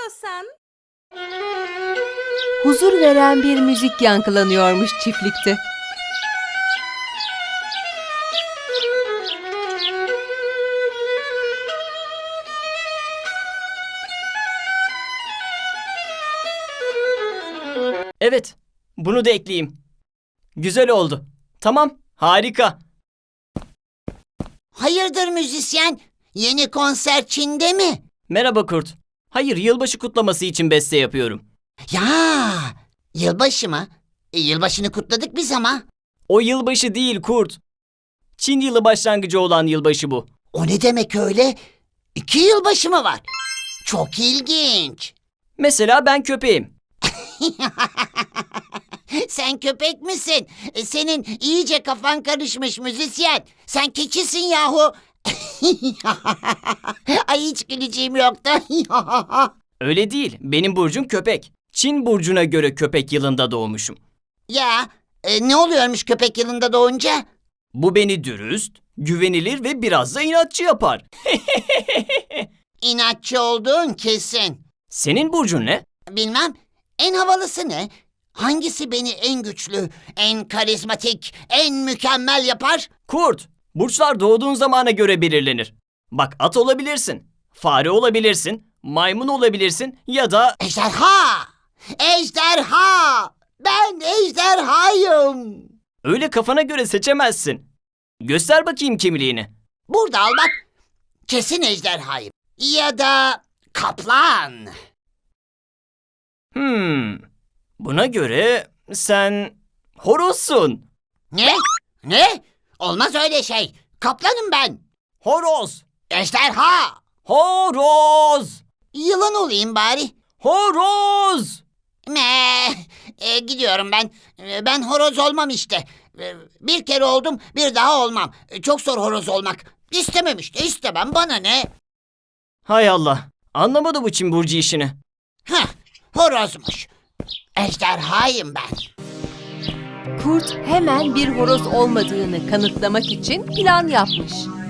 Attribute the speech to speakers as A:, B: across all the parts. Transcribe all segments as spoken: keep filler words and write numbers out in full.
A: istiyorsan.
B: Huzur veren bir müzik yankılanıyormuş çiftlikte.
C: Evet, bunu da ekleyeyim. Güzel oldu. Tamam, harika.
D: Hayırdır müzisyen? Yeni konser Çin'de mi?
C: Merhaba Kurt. Hayır, yılbaşı kutlaması için beste yapıyorum.
D: Ya, yılbaşı mı? E, yılbaşını kutladık biz ama.
C: O yılbaşı değil Kurt. Çin yılı başlangıcı olan yılbaşı bu.
D: O ne demek öyle? İki yılbaşı mı var? Çok ilginç.
C: Mesela ben köpeğim.
D: Sen köpek misin? E, Senin iyice kafan karışmış müzisyen. Sen keçisin yahu. Ay hiç güleceğim yoktu.
C: Öyle değil, benim burcum köpek. Çin burcuna göre köpek yılında doğmuşum.
D: Ya e, ne oluyormuş köpek yılında doğunca?
C: Bu beni dürüst, güvenilir ve biraz da inatçı yapar.
D: İnatçı olduğun kesin.
C: Senin burcun ne?
D: Bilmem, en havalısı ne? Hangisi beni en güçlü, en karizmatik, en mükemmel yapar?
C: Kurt, burçlar doğduğun zamana göre belirlenir. Bak, at olabilirsin, fare olabilirsin, maymun olabilirsin ya da...
D: Ejderha! Ejderha! Ben ejderhayım.
C: Öyle kafana göre seçemezsin. Göster bakayım kimliğini.
D: Burada al bak. Kesin ejderhayım. Ya da kaplan.
C: Hmm, buna göre sen horozsun.
D: Ne? Ne? Olmaz öyle şey. Kaplanım ben.
C: Horoz,
D: Ejderha!
C: horoz,
D: Yılan olayım bari.
C: horoz.
D: Me, e, gidiyorum ben. E, ben horoz olmam işte. E, bir kere oldum, bir daha olmam. E, çok zor horoz olmak. İstemem işte, istemem. Bana ne?
C: Hay Allah, anlamadı bu Çin burcu işini.
D: Heh, horozmuş. Ejderhayım ben.
B: Kurt hemen bir horoz olmadığını kanıtlamak için plan yapmış.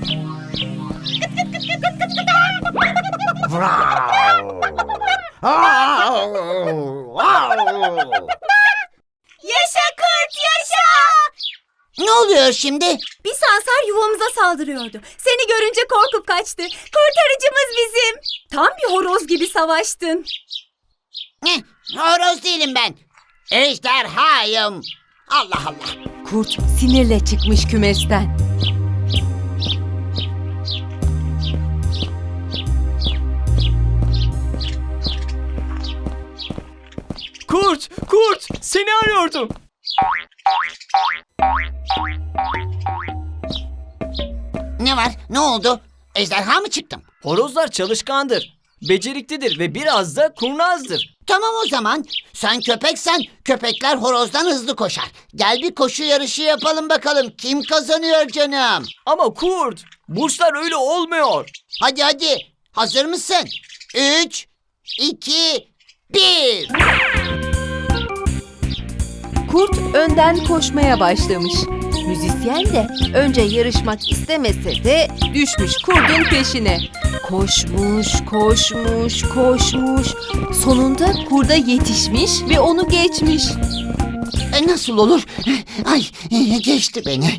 A: Yaşa kurt yaşa!
D: Ne oluyor şimdi?
A: Bir sansar yuvamıza saldırıyordu. Seni görünce korkup kaçtı. Kurtarıcımız bizim. Tam bir horoz gibi savaştın.
D: Ne? Horoz değilim ben. Ejderhayım. Allah Allah.
B: Kurt sinirle çıkmış kümesten.
C: Kurt, Kurt, seni arıyordum.
D: Ne var? Ne oldu? Ejderha mı çıktım?
C: Horozlar çalışkandır, beceriklidir ve biraz da kurnazdır.
D: Tamam o zaman. Sen köpeksen köpekler horozdan hızlı koşar. Gel bir koşu yarışı yapalım bakalım. Kim kazanıyor canım?
C: Ama Kurt, burçlar öyle olmuyor.
D: Hadi hadi. Hazır mısın? Üç, iki, bir.
B: Kurt önden koşmaya başlamış. Müzisyen de önce yarışmak istemese de düşmüş kurdun peşine. Koşmuş, koşmuş, koşmuş. Sonunda kurda yetişmiş ve onu geçmiş.
D: E, nasıl olur? Ay geçti beni.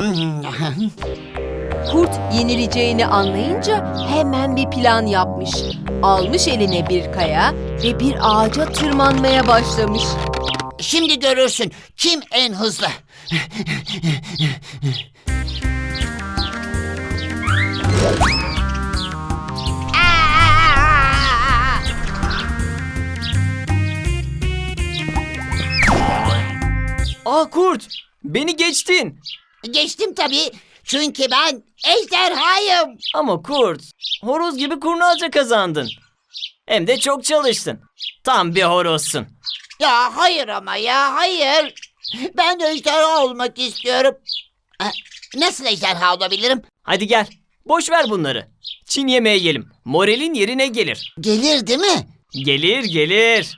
B: Kurt yenileceğini anlayınca hemen bir plan yapmış. Almış eline bir kaya ve bir ağaca tırmanmaya başlamış.
D: Şimdi görürsün kim en hızlı.
C: Aa Kurt, beni geçtin.
D: Geçtim tabii. Çünkü ben ejderhayım.
C: Ama Kurt, horoz gibi kurnazca kazandın. Hem de çok çalıştın. Tam bir horozsun.
D: Ya hayır ama ya hayır. Ben ejderha olmak istiyorum. Ha, nasıl ejderha olabilirim?
C: Hadi gel, boş ver bunları. Çin yemeği yiyelim. Moralin yerine gelir.
D: Gelir değil mi?
C: Gelir, gelir.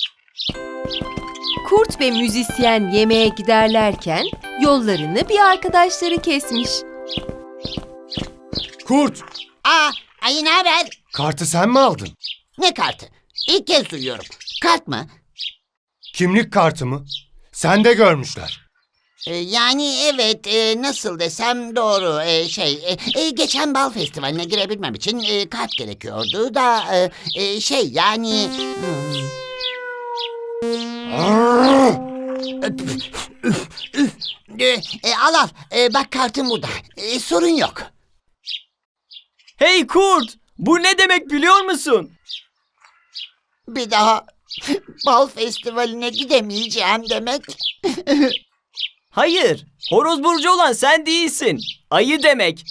B: Kurt ve müzisyen yemeğe giderlerken yollarını bir arkadaşları kesmiş.
E: Kurt,
D: Aa, ay ne haber?
E: kartı sen mi aldın?
D: Ne kartı? İlk kez duyuyorum. Kart mı?
E: Kimlik kartı mı? Sen de görmüşler.
D: Ee, yani evet, e, nasıl desem doğru. E, şey, e, e, geçen bal festivaline girebilmem için e, kart gerekiyordu da e, e, şey yani. hmm. E, e, al al, E, bak kartım burada. E, sorun yok.
C: Hey kurt! Bu ne demek biliyor musun?
D: Bir daha bal festivaline gidemeyeceğim demek.
C: Hayır. Horoz burcu olan sen değilsin. Ayı demek.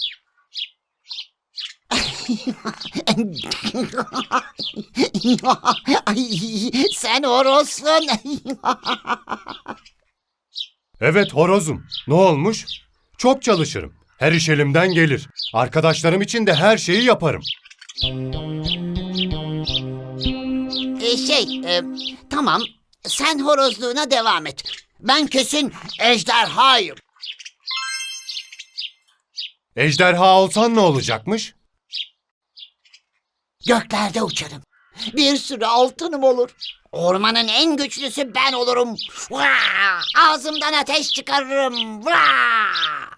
D: Ay, sen horozsun.
E: Evet horozum. Ne olmuş? Çok çalışırım. Her iş elimden gelir. Arkadaşlarım için de her şeyi yaparım.
D: E, şey, e, tamam. Sen horozluğuna devam et. Ben kesin ejderhayım.
E: Ejderha olsan ne olacakmış?
D: Göklerde uçarım. Bir sürü altınım olur. Ormanın en güçlüsü ben olurum. Vaa! Ağzımdan ateş çıkarırım. Vaa!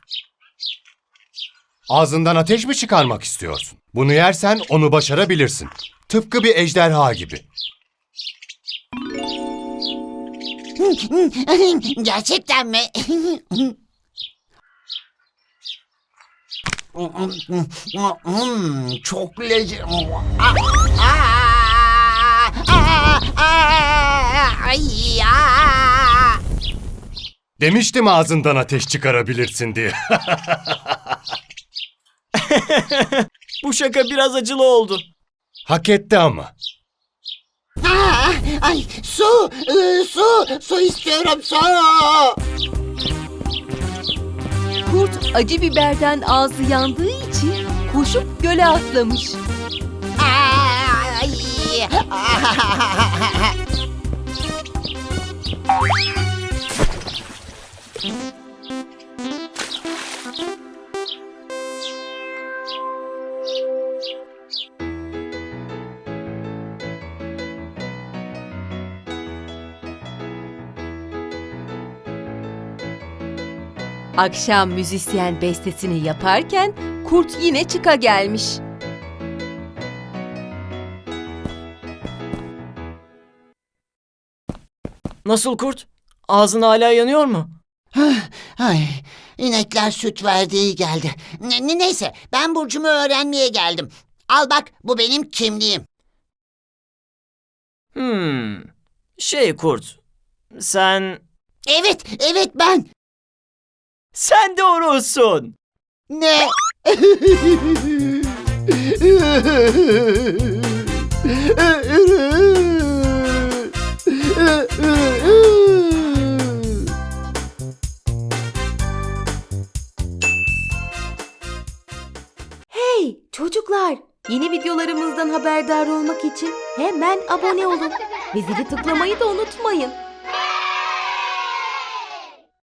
E: Ağzından ateş mi çıkarmak istiyorsun? Bunu yersen onu başarabilirsin. Tıpkı bir ejderha gibi.
D: Gerçekten mi? Hmm, çok lezzetli. Ay ya.
E: Demiştim ağzından ateş çıkarabilirsin diye.
C: Bu şaka biraz acılı oldu.
E: Hak etti ama.
D: Aa, ay su, ıı, su, su istiyorum su.
B: Kurt acı biberden ağzı yandığı için koşup göle atlamış.
D: Ay.
B: Akşam müzisyen bestesini yaparken kurt yine çıka gelmiş.
C: Nasıl kurt? Ağzın hala yanıyor mu?
D: Ay, inekler süt verdi iyi geldi. Ne- ne- neyse, ben burcumu öğrenmeye geldim. Al bak, bu benim kimliğim.
C: Hmm. Şey kurt. Sen...
D: Evet, evet ben.
C: Sen de horozsun.
D: Ne?
B: Hey çocuklar! Yeni videolarımızdan haberdar olmak için hemen abone olun ve zili tıklamayı da unutmayın.